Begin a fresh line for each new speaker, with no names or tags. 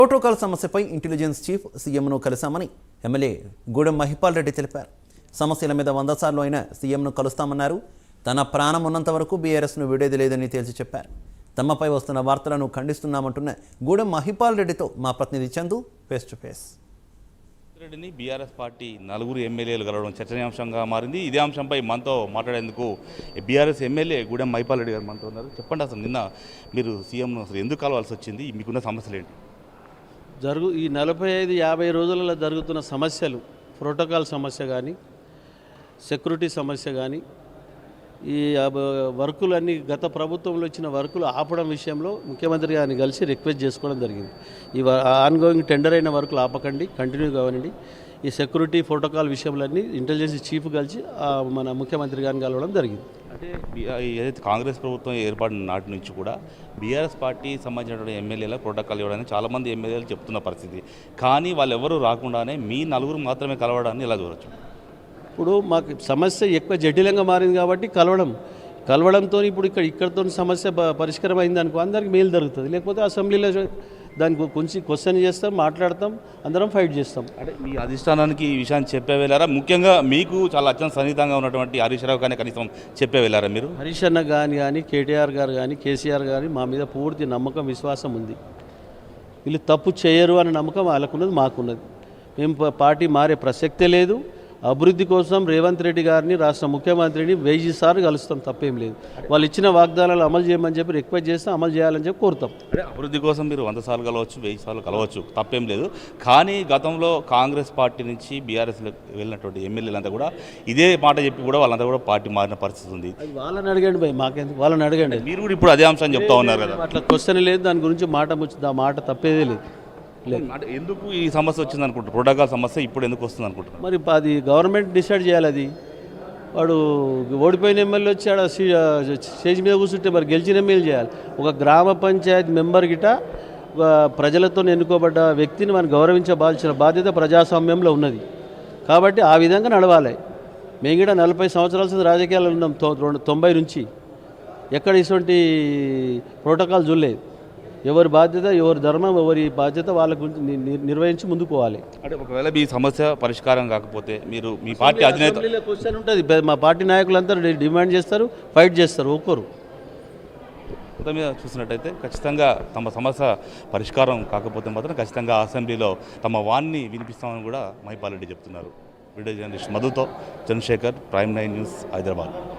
Protocol సమస్యపై intelligence chief సీఎంను కలిశామని ఎమ్మెల్యే గూడెం మహిపాల్ రెడ్డి తెలిపారు. సమస్యల మీద 100 సార్లు అయినా సీఎంను కలుస్తామన్నారు. తన ప్రాణం ఉన్నంత వరకు బీఆర్ఎస్ను విడేది లేదని తేల్చి చెప్పారు. తమపై వస్తున్న వార్తలను ఖండిస్తున్నామంటున్న గూడెం మహిపాల్ రెడ్డితో మా ప్రతినిధి చందు ఫేస్ టు ఫేస్.
రెడ్డిని బీఆర్ఎస్ పార్టీ 4 ఎమ్మెల్యేలు కలవడం చర్చనీయాంశంగా మారింది. ఇదే అంశంపై మనతో మాట్లాడేందుకు బీఆర్ఎస్ ఎమ్మెల్యే గూడెం మహిపాల్ రెడ్డి గారు మనతో ఉన్నారు. చెప్పండి, అసలు నిన్న మీరు సీఎంను అసలు ఎందుకు కలవాల్సి వచ్చింది, మీకున్న సమస్యలు ఏంటి?
ఈ 45-50 రోజులలో జరుగుతున్న సమస్యలు, ప్రోటోకాల్ సమస్య కానీ, సెక్యూరిటీ సమస్య కానీ, ఈ వర్కులన్నీ గత ప్రభుత్వంలో ఇచ్చిన వర్కులు ఆపడం విషయంలో ముఖ్యమంత్రి గారిని కలిసి రిక్వెస్ట్ చేసుకోవడం జరిగింది. ఈ ఆన్గోయింగ్ టెండర్ అయిన వర్కులు ఆపకండి, కంటిన్యూ కావనండి. ఈ సెక్యూరిటీ ప్రోటోకాల్ విషయంలన్నీ ఇంటెలిజెన్స్ చీఫ్ కలిసి మన ముఖ్యమంత్రి గారిని కలవడం జరిగింది.
అంటే ఏదైతే కాంగ్రెస్ ప్రభుత్వం ఏర్పడిన నాటి నుంచి కూడా బీఆర్ఎస్ పార్టీ సంబంధించిన ఎమ్మెల్యేల ప్రోటోకాల్ ఇవ్వడానికి చాలామంది ఎమ్మెల్యేలు చెప్తున్న పరిస్థితి. కానీ వాళ్ళు ఎవరు రాకుండానే మీ 4 మాత్రమే కలవడాన్ని ఎలా చూడవచ్చు?
ఇప్పుడు మాకు సమస్య ఎక్కువ జటిలంగా మారింది కాబట్టి కలవడంతో ఇప్పుడు ఇక్కడితో సమస్య పరిష్కారం అయింది అనుకో, అందరికి మేలు జరుగుతుంది. లేకపోతే అసెంబ్లీలో దానికి కొంచెం క్వశ్చన్ చేస్తాం, మాట్లాడతాం, అందరం ఫైట్ చేస్తాం.
అంటే మీ అధిష్టానానికి ఈ విషయాన్ని చెప్పే వెళ్ళారా? ముఖ్యంగా మీకు చాలా అత్యంత సన్నిహితంగా ఉన్నటువంటి హరీష్ రావు కానీ కనీసం చెప్పే వెళ్ళారా మీరు?
హరీష్ అన్న కానీ కేటీఆర్ గారు కానీ కేసీఆర్ గారు మా మీద పూర్తి నమ్మకం, విశ్వాసం ఉంది. వీళ్ళు తప్పు చేయరు అనే నమ్మకం వాళ్ళకున్నది, మాకున్నది. మేము పార్టీ మారే ప్రసక్తే లేదు. అభివృద్ధి కోసం రేవంత్ రెడ్డి గారిని, రాష్ట్ర ముఖ్యమంత్రిని 1000 సార్లు కలుస్తాం, తప్పేం లేదు. వాళ్ళు ఇచ్చిన వాగ్దానాలు అమలు చేయమని చెప్పి రిక్వెస్ట్ చేస్తే అమలు చేయాలని చెప్పి కోరుతాం.
అంటే అభివృద్ధి కోసం మీరు 100 సార్లు కలవచ్చు, 1000 సార్లు కలవచ్చు, తప్పేం లేదు. కానీ గతంలో కాంగ్రెస్ పార్టీ నుంచి బీఆర్ఎస్లో వెళ్ళినటువంటి ఎమ్మెల్యేలంతా కూడా ఇదే మాట చెప్పి కూడా వాళ్ళంతా కూడా పార్టీ మారిన పరిస్థితి ఉంది.
అది వాళ్ళని అడగండి భయ్, మాకెందుకు? వాళ్ళని అడగండి.
మీరు కూడా ఇప్పుడు అదే అంశాన్ని చెప్తా ఉన్నారు కదా.
అట్లా క్వశ్చన్ లేదు, దాని గురించి మాట తప్పేదే లేదు.
అంటే ఎందుకు ఈ సమస్య వచ్చింది అనుకుంటారు? ప్రోటోకాల్ సమస్య ఇప్పుడు ఎందుకు వస్తుంది అనుకుంటారు?
మరి అది గవర్నమెంట్ డిసైడ్ చేయాలి. అది వాడు ఓడిపోయిన ఎమ్మెల్యే వచ్చి ఆడ స్టేజ్ మీద కూర్చుంటే మరి గెలిచిన ఎమ్మెల్యే చేయాలి. ఒక గ్రామ పంచాయతీ మెంబర్ గిట ప్రజలతో ఎన్నుకోబడ్డ వ్యక్తిని మనం గౌరవించవలసిన బాధ్యత ప్రజాస్వామ్యంలో ఉన్నది. కాబట్టి ఆ విధంగా నడవాలి. మేము కూడా 40 సంవత్సరాల రాజకీయాలు ఉన్నాం, 90 నుంచి ఎక్కడ ఇటువంటి ప్రోటోకాల్ చూడలేదు. ఎవరి బాధ్యత, ఎవరి ధర్మం, ఎవరి బాధ్యత వాళ్ళ గురించి నిర్వహించి ముందుకు పోవాలి.
అంటే ఒకవేళ మీ సమస్య పరిష్కారం కాకపోతే మీరు మీ పార్టీ అధినేత
క్వశ్చన్ ఉంటుంది. మా పార్టీ నాయకులంతా డిమాండ్ చేస్తారు, ఫైట్ చేస్తారు. ఒక్కరు
మొత్తం మీద చూసినట్టయితే ఖచ్చితంగా తమ సమస్య పరిష్కారం కాకపోతే మాత్రం ఖచ్చితంగా అసెంబ్లీలో తమ వాణ్ణి వినిపిస్తామని కూడా మహిపాల్ రెడ్డి చెప్తున్నారు. వీడియో జర్నలిస్ట్ మధుతో చంద్రశేఖర్, ప్రైమ్ 9 న్యూస్, హైదరాబాద్.